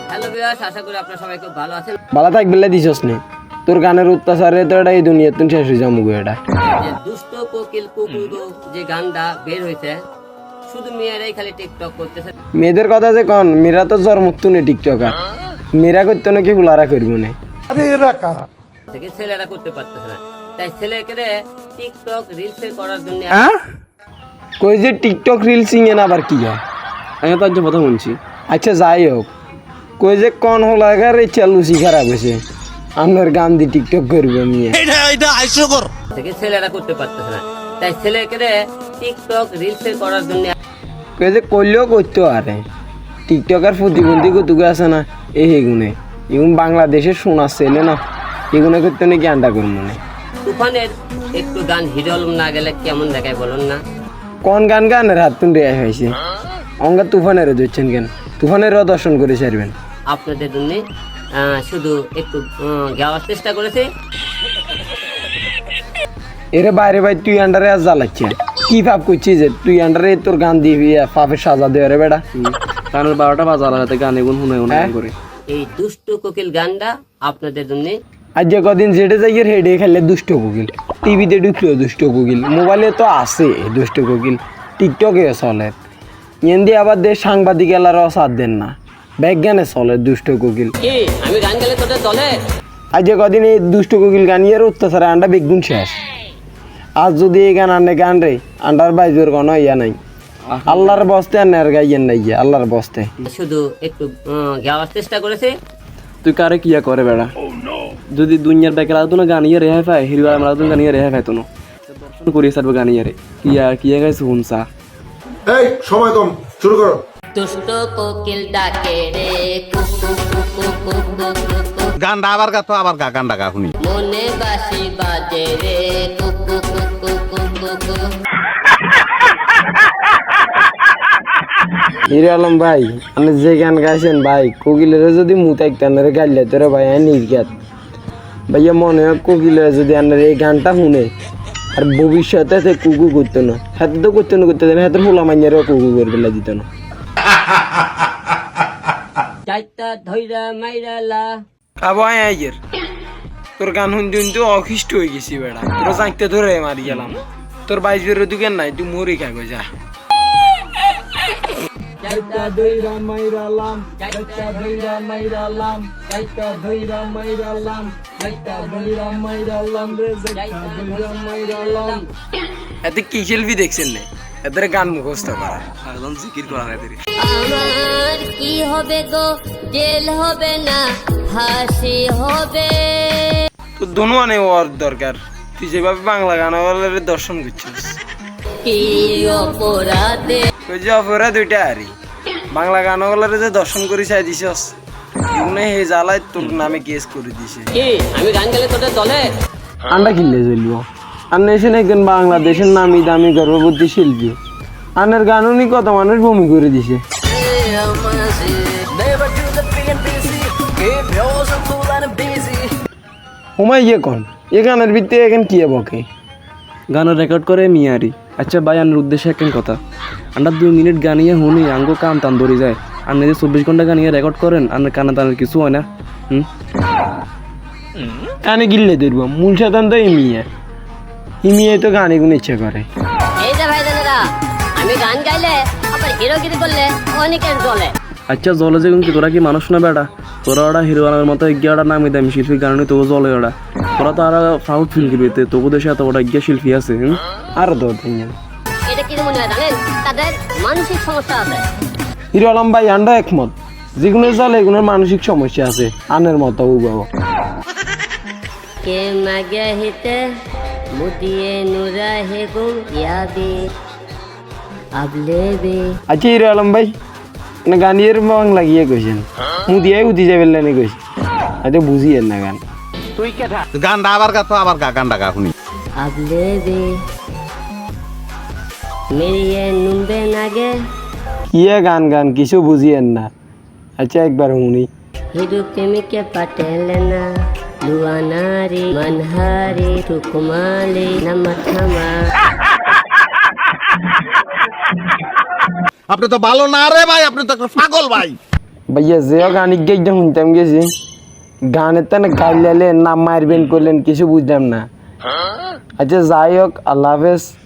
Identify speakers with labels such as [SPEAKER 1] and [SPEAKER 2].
[SPEAKER 1] Hello viewers, আশা করি আপনারা সবাই খুব ভালো আছেন।
[SPEAKER 2] ভালো থাকবে দিছস নে তোর গানের অত্যাচারে তো এটা এই দুনিয়া তুই শেষ হয়ে যাবো এটা
[SPEAKER 1] যে দুষ্ট কোকিল কুকুরো যে গানটা বের হয়েছে, শুধু মেয়েরাই খালি টিকটক করতেছে।
[SPEAKER 2] মেয়েদের কথা যে কন মেয়েরা তো জন্মত্তু নে টিকটকার মেয়েরা করতো নাকি হুলারা করবো না
[SPEAKER 1] থেকে ছেলেরা করতে পারতেছে না, তাই ছেলেকে টিকটক রিলস করার জন্য
[SPEAKER 2] কই যে টিকটক রিল সিঙে না আবার কি হয়
[SPEAKER 3] আমি তো আজ কথা শুনছি।
[SPEAKER 2] আচ্ছা যাই হোক কই যে কন হোলাগার এই চালুসি খারাপ হয়েছে আপনার গান দিয়ে টিকটক করবো নিয়ে
[SPEAKER 1] থেকে ছেলেরা করতে পারতেছে না, তাই ছেলেকে টিকটক রিলস করার জন্য
[SPEAKER 2] কই যে করলেও করতো আরে টিকটকার প্রতিবন্ধী কতটুকু আছে না এগুনে এগুন বাংলাদেশের শোনার ছেলে না এগুনে করতে নাকি আন্ডা করবো না
[SPEAKER 1] তুফানের একটু গান হিরো আলম না গেলে কেমন দেখায় বলুন না?
[SPEAKER 2] কোন গান গানের হাত তুন রেয়াই হয়েছে অঙ্গা তুফানেরও দিচ্ছেন কেন তুফানেরও দর্শন করে সারবেন
[SPEAKER 1] আপনাদের জন্য শুধু একটু গাওয়ার চেষ্টা করেছি।
[SPEAKER 2] এরে বাইরে ভাই তুই আন্ডারে আজ জ্বালাচ্ছে কি ভাব করছিস যে তুই আন্ডারে তোর গান দিবি পাপের সাজা দেওয়া রে বেটা
[SPEAKER 3] কারণ 12টা বাজার হাতে গান এগুন শুনে
[SPEAKER 2] হ্যাঁ?
[SPEAKER 3] করে
[SPEAKER 1] এই দুষ্ট কোকিল গানটা আপনাদের জন্য।
[SPEAKER 2] আজ যে কদিন যেটে যাই হেডে খেলে দুষ্ট কোকিল টিভিতে ঢুকলো দুষ্ট কোকিল মোবাইলে তো আছে দুষ্ট কোকিল টিকটকে চলে এমনি আবার দেশ সাংবাদিক এলারাও সাথ দেন না বিজ্ঞানে চলে দুষ্ট কোকিল
[SPEAKER 1] কি আমি গান গেলে তোদের চলে?
[SPEAKER 2] আজ যে কদিন এই দুষ্ট কোকিল গান ইয়ের অত্যাচারে আন্ডা বেগুন শেষ আজ যদি এই গান আন্ডে গান রে আন্ডার বাইজোর কোনো ইয়া নাই আল্লাহর বস্তে আর নেয়ার গাইয়েন নাই গিয়ে আল্লাহর বস্তে
[SPEAKER 1] শুধু একটু গাওয়ার চেষ্টা করেছি।
[SPEAKER 3] তুই কারে কিয়া করে বেড়া যদি দুনিয়ার বেকার আদুন গান ইয়ে রেহাই পায় হিরো আমার আদুন গান ইয়ে রেহাই পাইতো না দর্শন করিয়ে সারবে গান ইয়ে রে কিয়া কিয়া গাইছে হুনসা
[SPEAKER 4] এই সময় কম শুরু করো
[SPEAKER 1] দুষ্ট কোকিল ডাকে রে কুকু কুকু কুকু কুকু,
[SPEAKER 5] গানটা আবার গা তো আবার গা গানটা গা শুনি
[SPEAKER 1] মনে বাসি বাজে রে কুকু কুকু কুকু কুকু।
[SPEAKER 2] হিরো আলম ভাই আপনি যে গান গাইছেন ভাই কোকিলের যদি মুতাইক টানের গাইলে তোরা ভাই নির্গাত ভাইয়া মনে হয় কোকিলের যদি আপনার এই গানটা শুনে আর ভবিষ্যতে সে কুকু করতো না হাতে তো করতো না করতে দেন হাতের হোলা মাইয়ারও কুকু করে ফেলা দিত না
[SPEAKER 1] চাইতা ধইরা মাইরালা
[SPEAKER 2] আবো আইয়ের তোর গান শুনতে শুনতে অখিষ্ট হয়ে গেছি বেড়া তোর চাইতে ধরে মারি গেলাম তোর বাইশ বেরো দুকেন নাই তুই মরি খাই যা
[SPEAKER 1] চাইতা ধইরা মাইরালাম, চাইতা ধইরা মাইরালাম, চাইতা ধইরা মাইরালাম, চাইতা ধইরা মাইরালাম রে, চাইতা ধইরা মাইরালাম।
[SPEAKER 2] এতে কি শিল্পী দেখছেন না এদের গান মুখস্থ করা
[SPEAKER 3] একদম জিকির করা নাই তেরি
[SPEAKER 6] আমার কি হবে গো, জেল হবে না ফাঁসি হবে।
[SPEAKER 2] তোর দনুয়ানে ওর দরকার তুই যেভাবে বাংলা গান দর্শন করছিস
[SPEAKER 6] কি অপরাধে
[SPEAKER 2] ওই যে অপরা দুইটা আরি বাংলা গান যে দর্শন করে চাই দিছস মনে হে জ্বালায় তোর নামে কেস করে দিছে
[SPEAKER 1] কি আমি গান গেলে তোদের চলে?
[SPEAKER 2] আন্ডা কিনলে চলবো আন্না এসে একজন বাংলাদেশের নামি দামি গর্ভবতী শিল্পী আন্নার গান উনি কত মানুষ ভূমি করে দিছে হুমাই ইয়ে কন এ গানের ভিত্তি এখন কি বকে
[SPEAKER 3] গানের রেকর্ড করে মিয়ারি আচ্ছা ভাই আনার উদ্দেশ্যে একটা কথা আমরা 2 মিনিট গানিয়ে শুনি আঙ্গো কাম টান ধরে যায় আর নিজে 24 ঘন্টা গানিয়ে রেকর্ড করেন আর কানা টানের কিছু হয় না
[SPEAKER 2] কানে গিললে ধরবো মূল সাধারণ তো ইমিয়ে তো গানে গুণ ইচ্ছা করে
[SPEAKER 6] এই যে ভাই দাদারা, আমি গান গাইলে আবার হিরোগিরি করলে অনেকের চলে।
[SPEAKER 3] আচ্ছা জলে যে কিন্তু তোরা কি মানুষ না বেটা তোরা ওরা হিরো আনার মতো এগিয়াটা নামি দামি শিল্পী গান তবু জলে ওরা তোরা তো আর প্রাউড ফিল করবি তবু দেশে এত বড় এগিয়া শিল্পী আছে
[SPEAKER 2] আর তো তিনজন
[SPEAKER 6] এটা কি মনে হয় জানেন, তাদের মানসিক সমস্যা আছে।
[SPEAKER 2] হিরো আলম ভাই আন্ডা একমত যেগুলো চলে এগুলোর মানসিক সমস্যা আছে আনের মতো উবাব
[SPEAKER 6] কে মাগে হিতে মুদিয়ে নুরা হে গুম ইয়াবি আবলে বে।
[SPEAKER 2] আচ্ছা হিরো আলম ভাই না গানিয়ের বাংলা গিয়ে কইছেন মুদিয়াই উঠি যাবেন না কইছে আচ্ছা বুঝিয়েন না গান
[SPEAKER 5] গানটা আবার গা তো আবার গা গানটা গা শুনি
[SPEAKER 6] আবলে বে মেরিয়ে নুম্বে নাগে
[SPEAKER 2] কিয়া গান গান কিছু বুঝিয়েন না আচ্ছা একবার শুনি
[SPEAKER 6] হিরু প্রেমিকে পাটেলে না লুয়ানারি মানহারি টুকুমালি নামাথামা।
[SPEAKER 5] আপনি তো ভালো না রে ভাই আপনি তো একটা পাগল ভাই
[SPEAKER 2] ভাইয়া যেও গানিক গেইটা শুনতাম গেছি গানের তানে গাইলেন না মারবেন করলেন কিছু বুঝলাম না। আচ্ছা যাই হোক, আল্লাহ হাফেজ।